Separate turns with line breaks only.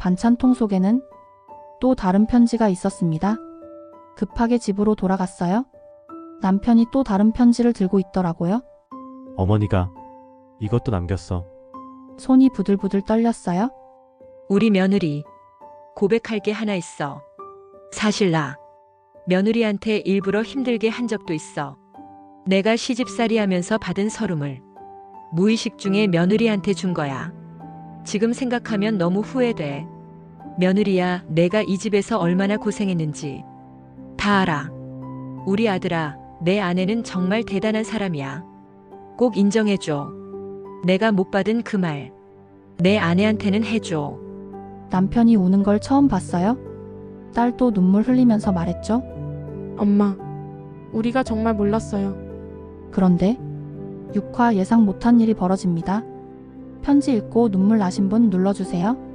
반찬통 속에는 또 다른 편지가 있었습니다. 급하게 집으로 돌아갔어요. 남편이 또 다른 편지를 들고 있더라고요.
어머니가 이것도 남겼어.
손이 부들부들 떨렸어요.
우리 며느리, 고백할 게 하나 있어. 사실 나 며느리한테 일부러 힘들게 한 적도 있어. 내가 시집살이 하면서 받은 서름을 무의식 중에 며느리한테 준 거야. 지금 생각하면 너무 후회돼. 며느리야, 내가 이 집에서 얼마나 고생했는지 다 알아. 우리 아들아, 내 아내는 정말 대단한 사람이야. 꼭 인정해줘. 내가 못 받은 그 말, 내 아내한테는 해줘.
남편이 우는 걸 처음 봤어요. 딸도 눈물 흘리면서 말했죠.
엄마, 우리가 정말 몰랐어요.
그런데 6화 예상 못한 일이 벌어집니다. 편지 읽고 눈물 나신 분 눌러주세요.